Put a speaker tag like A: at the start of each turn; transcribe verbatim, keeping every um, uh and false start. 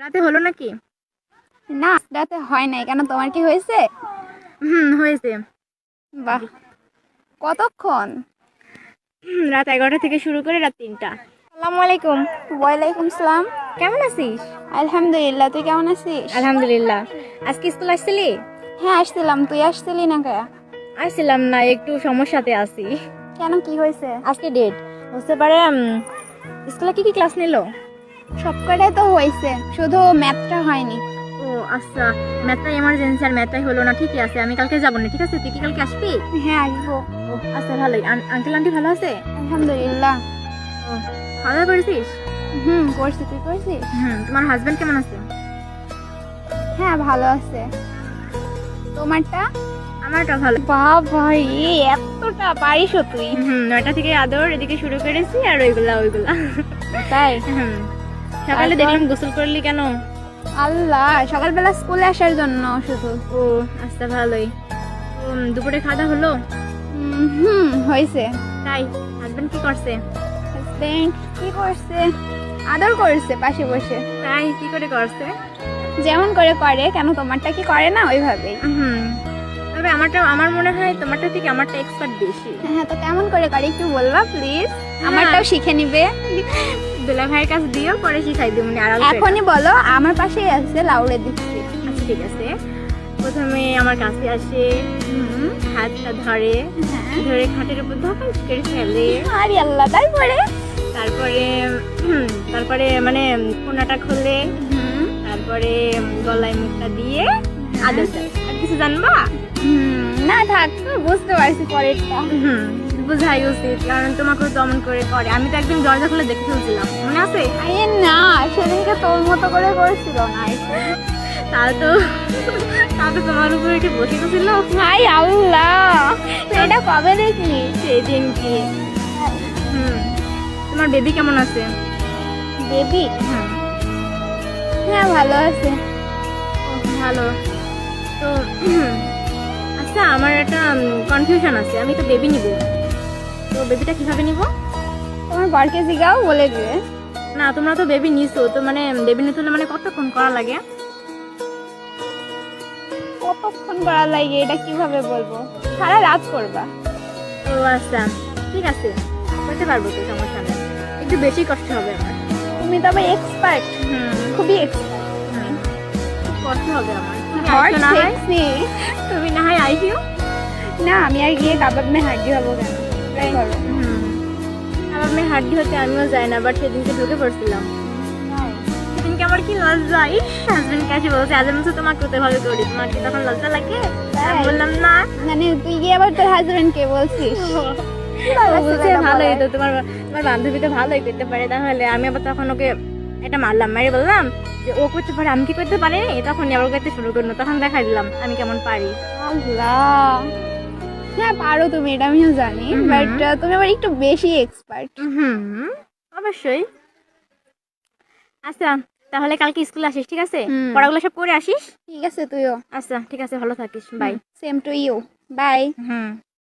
A: রাতে হলো নাকি?
B: না রাতে হয় নাই কেন, তোমার কি হয়েছে?
A: হুম হয়েছে।
B: বাহ, কতক্ষণ?
A: হুম, রাত এগারোটা থেকে শুরু করে রাত তিনটা। আসসালামু আলাইকুম।
B: ওয়ালাইকুম সালাম।
A: কেমন আছিস?
B: আলহামদুলিল্লাহ, তুই কেমন আছিস?
A: আলহামদুলিল্লাহ। আজকে স্কুল আসছিলি?
B: হ্যাঁ আসছিলাম, তুই আসছিলি না কে?
A: আসছিলাম না, একটু সমস্যাতে আছি।
B: কেন, কি হয়েছে?
A: আজকে ডেট বুঝতে পারে। স্কুলে কি কি ক্লাস নিলো?
B: সব কটাই তো হয়েছে, শুধু ম্যাথটা হয়নি।
A: ও আচ্ছা, ম্যাথটাই এমার্জেন্সি আর ম্যাথটাই হলো না। ঠিকই আছে, আমি কালকে যাবো না। ঠিক আছে, তুই কি কালকে আসবি?
B: হ্যাঁ আসবো।
A: ও আচ্ছা, ভালোই। আঙ্কেল আন্টি ভালো আছে?
B: আলহামদুলিল্লাহ।
A: ও, খাওয়া দাওয়া করেছিস?
B: হুম করছি, তুই করছিস?
A: হুম, তোমার হাজবেন্ড কেমন আছে?
B: হ্যাঁ ভালো আছে। তোমারটা?
A: আমারটা ভালো।
B: বাবা রে, এতটা পারিস তুই?
A: হুম, নয়টা থেকে আদর এদিকে শুরু করেছি আর ওইগুলা ওইগুলা।
B: তাই?
A: হুম, সকালে
B: তারপর?
A: দেখলাম গোসল করলি কেন?
B: আল্লাহ, সকালবেলা স্কুলে আসার জন্য শুধু।
A: ও আচ্ছা, ভালোই। তো, উম, দুপুরে খাওয়া দাওয়া হলো?
B: উম, হুম হয়েছে।
A: তাই? হাজবেন্ড কি করছে?
B: হাজবেন্ড কি করছে? আদর করছে পাশে বসে।
A: তাই? কি করে করছে?
B: যেমন করে করে, কেন তোমারটা কি করে না ওইভাবেই?
A: হুম, তবে আমারটা, আমার মনে হয় তোমারটা থেকে আমারটা এক্সপার্ট বেশি।
B: হ্যাঁ তো কেমন করে করে একটু বলবা প্লিজ, আমারটাও শিখে নিবে।
A: দুলা ভাইয়ের কাছে দিও, পরে শিখাই দিব মানে আড়াল করে।
B: এখনই বলো, আমার পাশেই আছে, লাউড়ে দিচ্ছি।
A: আচ্ছা ঠিক আছে। প্রথমে আমার কাছে আসে,
B: হুম,
A: হাতটা ধরে,
B: হ্যাঁ।
A: ধরে খাটের উপর ধপাস করে ফেলে।
B: আরে আল্লাহ, তারপরে?
A: তারপরে হুম, তারপরে মানে কোনাটা খোলে,
B: হুম,
A: তারপরে গলায় মুখটা দিয়ে আদর দেয়। আর কিছু জানবা?
B: হুম, না থাক, বুঝতে পারছি পরেরটা।
A: হুম, বুঝাই উচিত, কারণ তোমাকেও তো অমন করে করে। আমি তো একদিন দরজা খুলে দেখে ফেলছিলাম, মনে আছে?
B: আরে না, সেদিনকে তোর মতো করে করেছিল না এসে।
A: তাও তো তাও তো তোমার উপরে একটু বসে গেছিল
B: হাই আল্লাহ, এটা কবে দেখলি?
A: সেদিন কি। হুম, তোমার বেবি কেমন আছে?
B: বেবি?
A: হুম,
B: হ্যাঁ ভালো আছে।
A: ও, ভালো। তো আচ্ছা, আমার একটা কনফিউশন আছে। আমি তো বেবি নিব, তো বেবিটা কিভাবে নিব?
B: তোমার বরকে জিগাও, বলে দিবে।
A: না, তোমরা তো বেবি নিছো, তো মানে বেবি নিতে হলে মানে কতক্ষণ করা লাগে?
B: কতক্ষণ করা লাগে এটা কিভাবে বলবো, সারা রাত করবা।
A: ও আচ্ছা, ঠিক আছে, করতে পারবো তো, সমস্যা নেই। একটু বেশি কষ্ট হবে আমার।
B: তুমি তবে এক্সপার্ট,
A: হুম,
B: খুবই এক্সপার্ট।
A: হুম, খুব কষ্ট হবে আমার। তুমি
B: হট
A: আইসো না হয়,
B: সেক্সি।
A: তুমি না হয় আইসিও।
B: না আমি আর গিয়ে কাবাব মে হাড্ডি হবো কেন? তাই করো।
A: হুম, আমার মেয়ে হাড্ডি হতে আমিও যাই না, বাট সেদিনকে ঢুকে পড়ছিলাম। সেদিনকে আমার কি লজ্জা! ইস, হাজবেন্ড কাছে বলছে, আজ আমি তো তোমাকে করতে ভালো করি, তোমাকে তখন লজ্জা লাগে। আমি
B: তাই?
A: বললাম না।
B: মানে তুই গিয়ে আবার তোর হাজবেন্ড কে বলছিস?
A: ও বলছে ভালোই তো, তোমার তোমার বান্ধবী তো ভালোই করতে পারে। তাহলে আমি আবার তখন ওকে এটা মারলাম, মারি বললাম যে ও করতে পারে, আমি কি করতে পারিনি। তখন আবার করতে শুরু করলো, তখন দেখাই দিলাম আমি কেমন পারি।
B: আল্লাহ, হ্যাঁ পারো তুমি, এটা আমিও জানি,
A: হুম।
B: বাট তুমি আবার একটু বেশি এক্সপার্ট।
A: হুম, অবশ্যই। আচ্ছা, তাহলে কালকে স্কুলে আসিস, ঠিক আছে?
B: হুম।
A: পড়াগুলো সব করে আসিস।
B: ঠিক আছে, তুইও।
A: আচ্ছা ঠিক আছে, ভালো থাকিস, bye.
B: Same to you, bye.
A: Hmm.